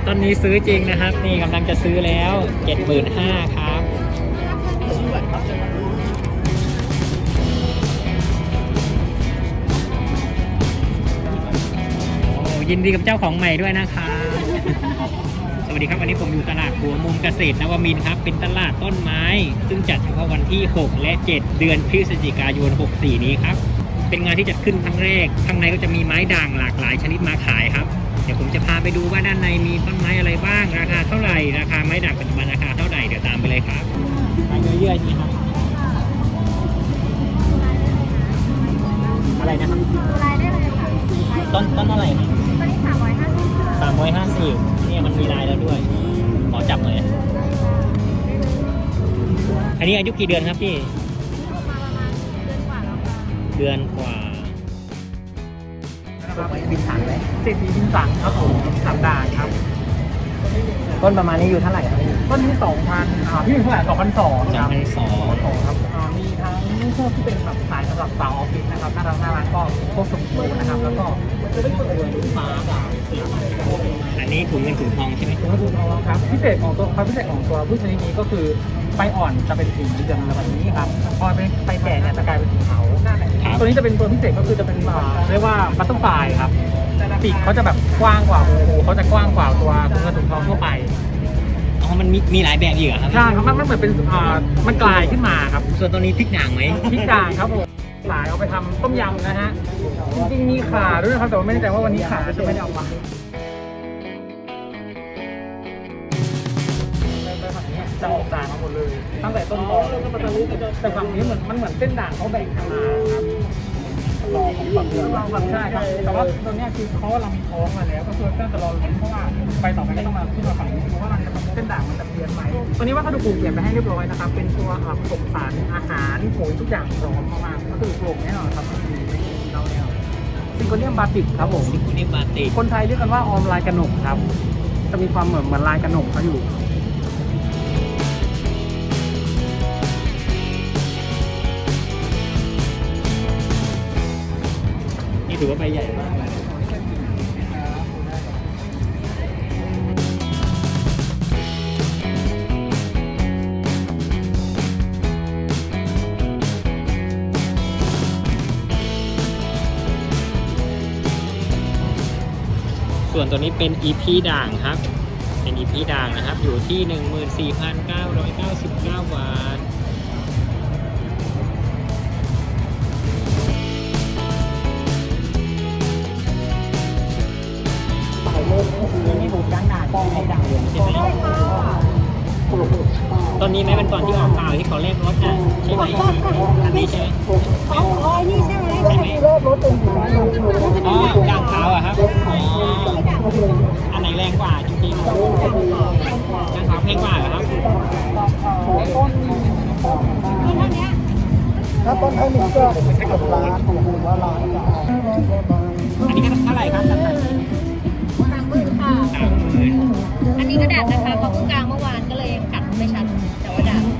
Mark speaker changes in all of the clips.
Speaker 1: ต้นนี้ซื้อจริงนะครับนี่กำลังจะซื้อแล้ว 75,000 ครับโอ้ยินดีกับเจ้าของใหม่ด้วยนะครับสวัสดีครับวันนี้ผมอยู่ตลาดหัวมุมเกษตรนวมินทร์ครับเป็นตลาดต้นไม้ซึ่งจัดเฉพาะวันที่ 6 และ 7 เดือนพฤศจิกายน 64 นี้ครับเป็นงานที่จัดขึ้นครั้งแรกข้างในก็จะมีไม้ด่างหลากหลายชนิดมาขายครับเดี๋ยวผมจะพาไปดูว่าด้านในมีต้นไม้อะไรบ้างราคาเท่าไหร่ราคาไม้ด่างปัจจุบันราคาเท่าไหร่เดี๋ยวตามไปเลยครับไม้เยื่อๆนี่ครับอะไรนะครับ
Speaker 2: ลายได้เลยค่ะ
Speaker 1: ต้นอะไรครับ
Speaker 2: ตัวนี้350
Speaker 1: เนี่ยมันมีลายแล้วด้วยขอจับหน่อยอันนี้อายุกี่เดือนครับพี่
Speaker 2: มาประมาณเดือนกว่าแล้วค่ะ
Speaker 1: เดือนกว่าบินถังไหม
Speaker 3: เศรษฐีบินสังครับผม3 ด่านครับ
Speaker 1: ต้นประมาณนี้อยู่เท่าไหร่ครับ
Speaker 3: ต้นที่ 2,000พี่เท่าไหร่2,200ครับ
Speaker 1: 2,200
Speaker 3: ครับมีทั้งพวกที่เป็นแบบสายสำหรับสาวออฟฟิศนะครับน่ารักก็พวกสมบูรณ์นะครับแล้วก็จะได้ตัวฟ้าด่าง
Speaker 1: อันนี้ถุงเงินถุงทองใช่ไหม
Speaker 3: ถุงเงินถุงทองครับพิเศษของตัวความพิเศษของตัวพืชชนิดนี้ก็คือใบอ่อนจะเป็นสีเหลืองแบบนี้ครับพอไปแก่เนี่ยจะกลายเป็นสีขาวตัวนี้จะเป็นตัวพิเศษก็คือจะเป็นเรียกว่าบัตเตอร์ฟลายครับปีกเขาจะแบบกว้างกว่าเขาจะกว้างกว่าตัวถุงเงินถุงทองทั่วไป
Speaker 1: อ๋อมันมีหลายแบบอีกเหรอครับ
Speaker 3: ใช่ครับมันเหมือนเป็นมันกลายขึ้นมาครับ
Speaker 1: ส่วนตัวนี้พริกด่างไหม
Speaker 3: พริกด่างครับผมหลายเอาไปทำต้มยำนะฮะจริงๆมีข่าด้วยนะครับแต่ว่าไม่แน่ใจว่าวันนี้ข่าจะไม่ได้เอามาจะออกด่างมาหมดเลยตั้งแต่ต้นตอแต่ฝั่งนี้มันเหมือนเส้นด่างเขาแบ่งกันมาครับรอของฝั่งเราฝั่งใช่ครับแต่ว่าตัวนี้คือเขาเรามีท้องมาแล้วก็คือก็จะรอลุ้นเพราะว่าไปต่อไปก็ต้องมาขึ้นมาฝั่งนี้เพราะว่ามันจะเส้นด่างมันจะเปลี่ยนไปตัวนี้วัสดุปลูกเปลี่ยนไปให้เรียบร้อยนะครับเป็นตัวผสมสารอาหารปุ๋ยทุกอย่างพร้อมมากๆก็คือปลูกแน่นอนครับเราเนี่ยซิงโกเนียมบาติกครับผม
Speaker 1: ซิงโกเนียมบาติก
Speaker 3: คนไทยเรียกกันว่าออมลายกระหนกครับจะมีความเหมือนลายกระหนกเขาอยู่
Speaker 1: ถือว่าใบใหญ่มากส่วนตัวนี้เป็น EP ด่างครับเป็น EP ด่างนะครับอยู่ที่ 14,999 บาท
Speaker 3: มีหูจ้างด่างให้ด่างเหลืองใช่ไหม
Speaker 1: ตอนนี้ไหมเป็นก่อนที่ออกข่าวที่เขาเรียกรถอ่ะใช่ไหมอันนี้ใช่ไหม
Speaker 2: นี่ใช่ไหม
Speaker 1: ใช่ไหมอ๋อด่างขาวอะครับอ๋ออันไหนแรงกว่าจริงๆด่างขาวแพงกว่าเหรอครับ
Speaker 3: ถ้าต้นเท่านี้ก็ไม่ใช่กับร้านว่าร้าน
Speaker 1: อันนี้ก็เท่าไหร่ครับ
Speaker 2: 30,000ค่ะอันนี้ก็ด่างนะคะเขาเพิ่งกลางเมื่อวานก็เลยกัดไม่ชัดแต่ว่าด่าง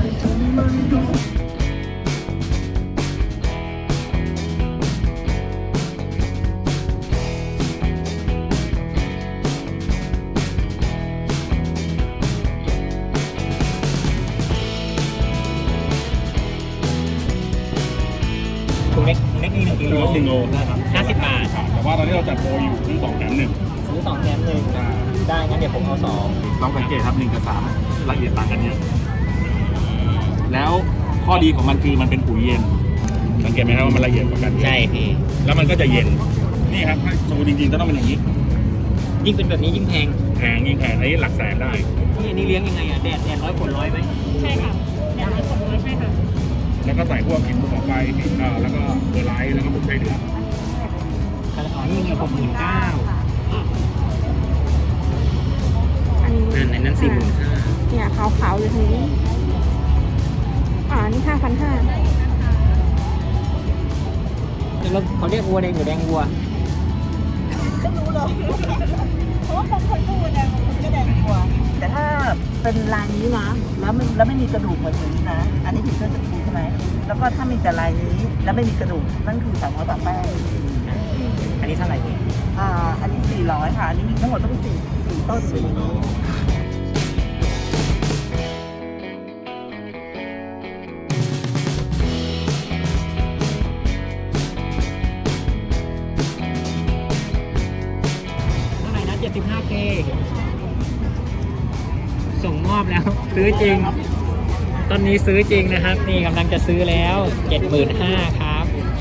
Speaker 1: ถุงเล็กนี่1 กิโล
Speaker 4: 1 โลนะครับ
Speaker 1: 50 บาท
Speaker 4: แต่ว่าตอนนี้เราจัดโปรอยู่ซื้อ2 แถม 1
Speaker 1: ซื้อ2 แถม 1ได้งั้นเดี๋ยวผมเอา2
Speaker 4: ต้องสังเกตครับ1 กับ 3ละเอียดต่างกันเยอะแล้วข้อดีของมันคือมันเป็นปุ๋ยเย็นสังเกตไหมครับว่ามันละเอียดกว่ากัน
Speaker 1: ใช่พี่
Speaker 4: แล้วมันก็จะเย็นนี่ครับถ้าสมมติจริงๆต้องเป็นอย่างนี้
Speaker 1: ยิ่งเป็นแบบนี้ยิ่งแพง
Speaker 4: ยิ่งแพงอันนี้หลักแสนได้
Speaker 1: นี่อันนี้เลี้ยงยังไงอ่ะแดดร้อยฝนร้อยไหม
Speaker 2: ใช่ค่ะแดด100 ฝน100ใช่ค่ะ
Speaker 4: แล้วก็ใส่พวกหินภูเขาไฟแล้วก็เบอร์ไลท์แล้วก็พวกไส้เดือน
Speaker 1: อ๋อนี่ไง69,000นั่น45,000
Speaker 2: เนี่ยขาวๆอยู่ตรงนี้นี่5,500
Speaker 1: แล้วเขาเรียกวัวแดงหรือแดงวัว
Speaker 2: รู้เลยเพราะว่าบางคนก็วัวแดงบางคนก็แดงวัวแต่ถ้าเป็นลายนี้นะแล้วไม่มีกระดูกเหมือนนี้นะอันนี้ถึงจะถูกใช่ไหมแล้วก็ถ้ามีแต่ลายนี้แล้วไม่มีกระดูกนั่นคือ300 บาทแป้ง
Speaker 1: อันนี้เท่าไหร่
Speaker 2: อันนี้400ค่ะอันนี้มีทั้งหมดต้องสี่ต้นอยู่ในนี้
Speaker 1: เท่าไหร่นะ 75K ส่งมอบแล้ว ซื้อจริง ตอนนี้ซื้อจริงนะครับ นี่กำลังจะซื้อแล้ว 75,000ครับ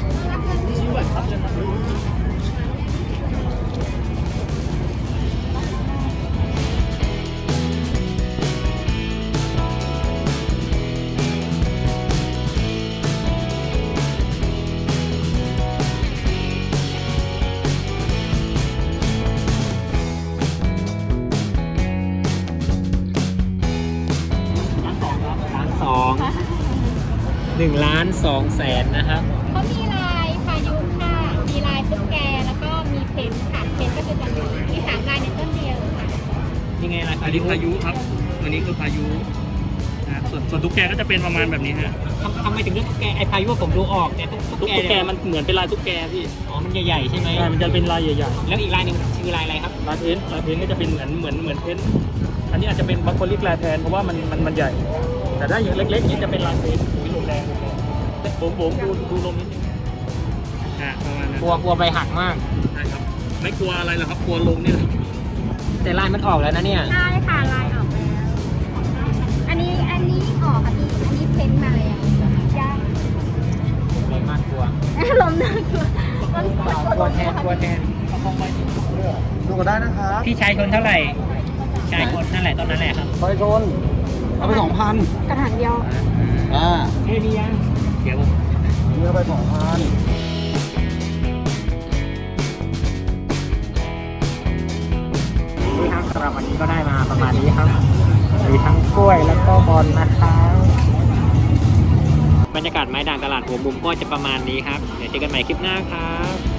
Speaker 1: 1,200,000นะครับ
Speaker 5: เขามีลายพายุค่ะ มีลายตุ๊กแก แล้วก็มีเพนท์ค่ะ เพนท์ก็คือจะมี3ลายในต้นเดียวค่ะ
Speaker 1: นี่ไงล่ะ
Speaker 4: อันนี้พายุครับตัวนี้คือพายุส่วนตุ๊กแกก็จะเป็นประมาณแบบนี้ฮะ
Speaker 1: ทำไมถึงเลือกตุ๊กแกไอ้พายุว่าผมดูออกแต่ตุ๊กแกมันเหมือนเป็นลายตุ๊กแกพี่ อ๋อ มันใหญ่ๆใช่ไหม
Speaker 3: ใช่มันจะเป็นลายใหญ่
Speaker 1: แล้วอีกลายหนึ่งคือลายอะไรครับ
Speaker 3: ๆลายเพ้นท์ก็จะเป็นเหมือนเพ้นท์อันนี้อาจจะเป็นบางคนเรียกลายแทนเพราะว่ามันใหญ่ แต่ถ้าอย่างเล็กๆนี้จะเป็นลายเพ้นท์มีลมแรงผมดูลมนิดนึง
Speaker 4: ประมาณนั้น
Speaker 1: กลัวไปหักมาก
Speaker 4: ใช่ครับไม่กลัวอะไรหรอกครับกลัวลมนี่แหละ
Speaker 1: แต่ลายมันออกแล้วนะเนี่ย
Speaker 5: ลายค่ะ ลายออกแล้ว อันนี้ออกค่ะพี่ อันนี้เพ้นท์มาเลยอะย่าง
Speaker 1: เลยมากกลัว
Speaker 5: ลมน่ากลัวลม
Speaker 1: กลัวแทน
Speaker 3: ดูก็ได้นะครับ
Speaker 1: พี่ชายชนเท่าไหร่ชายคนนั่นแหละตอนนั้นแหละครับ
Speaker 3: ไปชนเอาไป2,000
Speaker 5: กระถางเดียว
Speaker 1: เฮ้ยนี่ยังเดี๋ยว
Speaker 3: เนื้อไป2,000
Speaker 1: นี่ครับสำหรับวันนี้ก็ได้มาประมาณนี้ครับมีทั้งกล้วยแล้วก็บอลนะครับบรรยากาศไม้ด่างตลาดหัวมุมก็จะประมาณนี้ครับเดี๋ยวเจอกันใหม่คลิปหน้าครับ